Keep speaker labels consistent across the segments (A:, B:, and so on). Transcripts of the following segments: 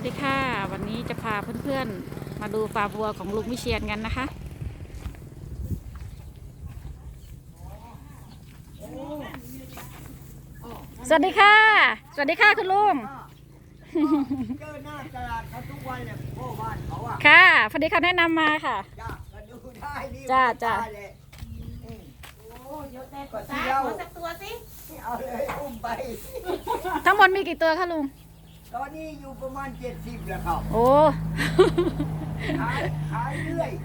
A: ดีค่ะวันนี้จะพาเพื่อนๆมาดูฟาร์มวัวของลุงวิเชียรกันนะคะสวัสดีค่ะสวัสดีค่ะคุณลุง
B: เจอหน้าตลาดเขาทุกวันเนี่ยพ่อบ้านเขาอ่ะ
A: ค่ะพอดีเขาแนะนำมาค่ะ
B: จ้าก็ดูได้นี่
A: จ้า
B: เลย
C: โอ้เยอะแต่ก็ตาขอสักตัวสิ
B: เอาเลยอุ้มไป
A: ทั้งหมดมีกี่ตัวคะลุง
B: ตอนนี้อยู่ประมาณ70แล้วครับ
A: โอ้
B: ขายเรื่อย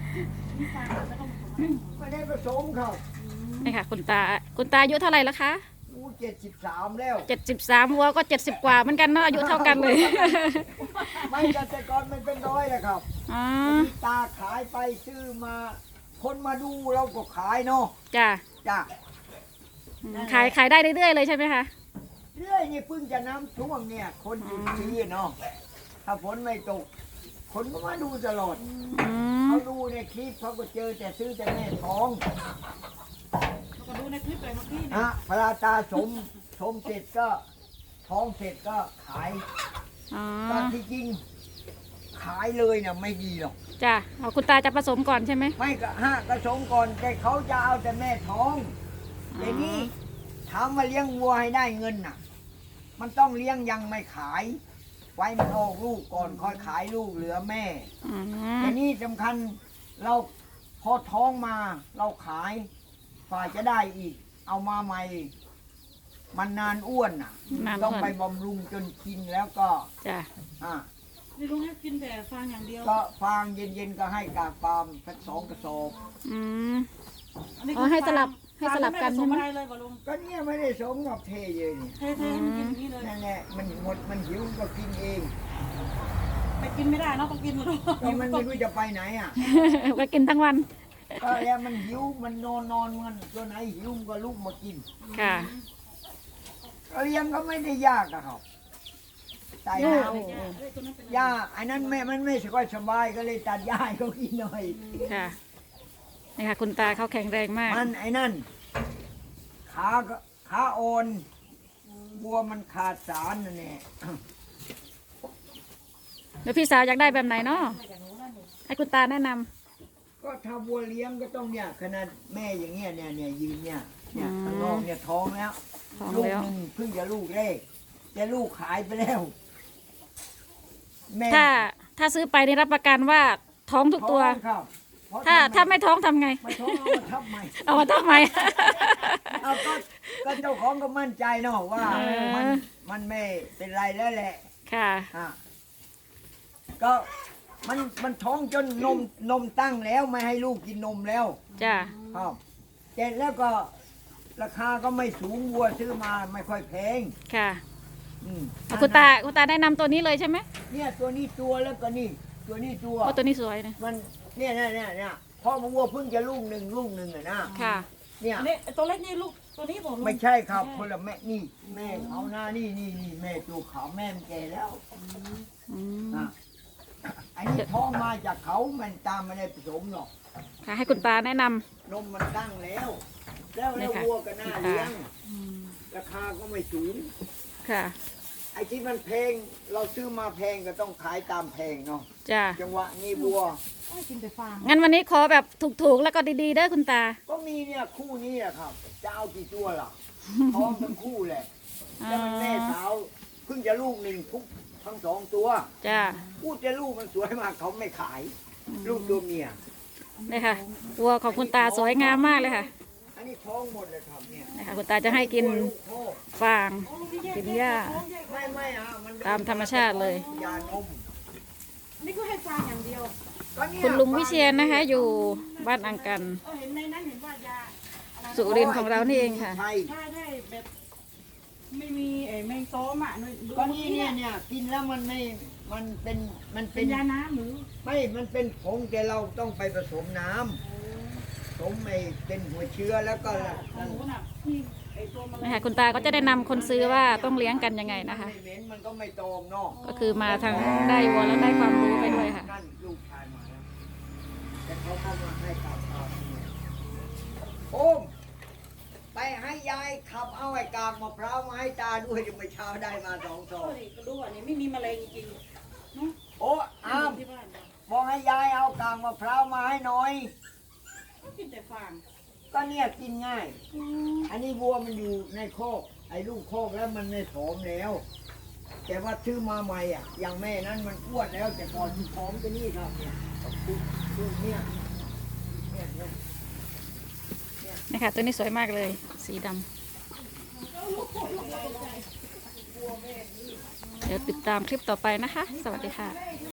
B: ไม่ได้ผสมครับ
A: นี่ค่ะคุณตาอายุเท่าไหร่แล้วคะ
B: 73แล้ว
A: 73วัวก็70กว่าเหมือนกันเนาะอายุเท่ากันเลย
B: ไม่เกษตรกรมันเป็นร้อยเลยครับตาขายไปซื้อมาคนมาดูเราก็ขายเนาะ
A: จ้าขายได้เรื่อยๆเลยใช่ไหมคะ
B: เรื่อยนี่เพิ่งจะน้ำท่วมเนี่ยคนหยุดซื้อเนาะถ้าฝนไม่ตกคนก็มาดูตลอดเขาดูในคลิปเขาก็เจอแต่ซื้อแต่แม่ท้อง
C: ก็ดูในคลิปไปเมื่อกี้
B: นะพระตาสมเสร็จก็ท้องเสร็จก็ขายตอนที่จริงขายเลยเนี่ยไม่ดีหรอก
A: จ้ะเอาคุณตาจะผสมก่อนใช่ไหม
B: ไม่ก็ผสมก่อนแต่เขาจะเอาแต่แม่ท้องแต่นี้ถามมาเลี้ยงวัวให้ได้เงินน่ะมันต้องเลี้ยงยังไม่ขายไว้มันออกลูกก่อนค่อยขายลูกเหลือแม่แต่นี่สำคัญเราพอท้องมาเราขายฝ่ายจะได้อีกเอามาใหม่มันนานอ้วนน่ะต้องไปบำรุงจนกินแล้วก็
A: จ้ะ
C: นี่ลุงให้กินแต่ฟางอย่างเดียว
B: ก็ฟางเย็นๆก็ให้กากปาล์มสัก2 กระสอบ
A: ให้สลับกันใช่ไหม
B: ก็เนี่ยไม่ได้สมกับเทเยอะนี่
C: เทให้มันกินนี่เลย
B: นั่นแหละมันหมดมันหิวก็กินเอง
C: ไปกินไม่ได้เนาะต้องกินหมด
B: ก็มันไม่รู้จะไปไหนอ่ะ
A: ก็กินทั้งวัน
B: ก็แล้วมันหิวมันนอนมันตัวไหนหิวก็ลุกมากิน
A: ค่ะ
B: เลี้ยงก็ไม่ได้ยากอะครับใส่น้ำหญ้าไอ้นั้นมันไม่ค่อยสบายก็เลยตัดหญ้าให้เขากินหน่อย
A: ค่ะนี่ค่ะคุณตาเขาแข็งแรงมาก
B: มันไอ้นั่นขาอ่อนบัวมันขาดสารนั่นแหละ
A: แล้วพี่สาวอยากได้แบบไหนเนาะให้คุณตาแนะน
B: ำก็ถ้าบัวเลี้ยงก็ต้องเนี่ยขนาดแม่อย่างเงี้ยเนี่ยยืนเนี่ยข้างนอกเนี่ยท้องแล้วลูกหนึ่งเพิ่งจะลูกแรกจะลูกขายไปแล้ว
A: ถ้าซื้อไปนี่รับประกันว่าท้องทุกตัวถ้าไม่ท้องทำไง
B: ไม่ท้องเอามาทับใหม่
A: เอามาทับใหม่
B: เอาก็เจ้าของก็มั่นใจเนาะว่ามันไม่เป็นไรแล้วแหละ
A: ค่ะ
B: ก็มันท้องจนนมตั้งแล้วไม่ให้ลูกกินนมแล้ว
A: จ้ะ
B: ครับเสร็จแล้วก็ราคาก็ไม่สูงวัวซื้อมาไม่ค่อยแพง
A: ค่ะคุณตาแนะนำตัวนี้เลยใช่ไหม
B: เนี่ยตัวนี้ตัวแล้วก็นี่ตัวนี้
A: ตัวนี้สวยนะ
B: มันเนี่ยพ่อมาวัวเพิ่งจะลูกหนึ่งอะนะ
A: ค่ะ
C: เนี่ยตัวเล็กนี่ลูกตัวนี้ผม
B: ไม่ใช่ครับคนละแม่นี่แม่เขาหน้านี่แม่ตัวขาวแม่มันแก่แล้วอันนี้ท้องมาจากเขามันตามไม่ได้ผสมหรอก
A: ค่ะให้คุณตาแนะน
B: ำนมมันตั้งแล้ววัวก็น่าเลี้ยงราคาก็ไม่สูง
A: ค่ะ
B: ไอ้ที่มันแพงเราซื้อมาแพงก็ต้องขายตามแพงเนาะ
A: จ้ะ
B: จังหวะนี้วัว
C: กินแต่ฟาง
A: งั้นวันนี้ขอแบบถูกๆแล้วก็ดีๆเด้อคุณตา
B: ก็มีเนี่ยคู่นี้อะครับจะเอากี่ตัวล่ะท้องทั้งคู่แหละแล้วมันแม่สาวเพิ่งจะลูกหนึ่งทั้ง2 ตัว
A: จ้ะ
B: พูดจะลูกมันสวยมากเขาไม่ขายลูกตัวเมีย
A: นี่ค่ะวัวของคุณตาสวยงามมากเลยค่ะ
B: อันนี้ท้องหมดเลยครับเนี่ย
A: นะคะคุณตาจะให้กินฟางกินหญ้าตามธรรมชาติเลย
B: ยานม
C: นี่ก็ให้ฟางอย่างเดียว
A: คุณลุงวิเชียรนะคะอยู่บ้านอังกัน
C: เห็นในนั้นเห็นว่ายา
A: สุรินทร์ของเรานี่เองค่ะ
C: ได้แบบไม่มีแมงโซมอ่ะ
B: ก็นี่เนี่ยกินแล้วมันเป็น
C: ยาน้ำหรือ
B: ไม่มันเป็นผงแต่เราต้องไปผสมน้ำผสมเป็นหัวเชื้อแล้วก็
A: นะคะคุณตาก็จะได้นำคนซื้อว่าต้องเลี้ยงกันยังไงนะคะ
B: มันก็ไม่ตอมเนาะ
A: ก็คือมาทางได้วัวแล้วได้ความรู้ไปด้วยค่ะ
B: ลูกชายมาแล้วแต่เขาเข้ามาให้กลับโอมไปให้ยายขับเอาไอ้กากมะพร้าวมาให้ตาด้วยจะไปเช้าได้มา2 ซอง
C: ก็ดูอันนี้ไม่มีแมลงจริง
B: โอ้อ้าม
C: ที่บ้าน
B: บอกให้ยายเอากางมะพร้าวมาให้หน่อย
C: ก็กินแต่ฟาง
B: ก็เนี่ยกินง่าย อันนี้วัวมันอยู่ในโคอกไอ้ลูกโคอกแล้วมันไม่ผอมแล้ว แต่ว่าชื่อมาใหม่อ่ะ อย่างแม่นั้นมันอ้วนแล้ว แต่ก่อนที่ผอมก็นี่ครับเนี่ยลูกเนี่ยเนี่ยเนี่ย
A: นี่ค่ะตัวนี้สวยมากเลย สีดำเดี๋ยวติดตามคลิปต่อไปนะคะ สวัสดีค่ะ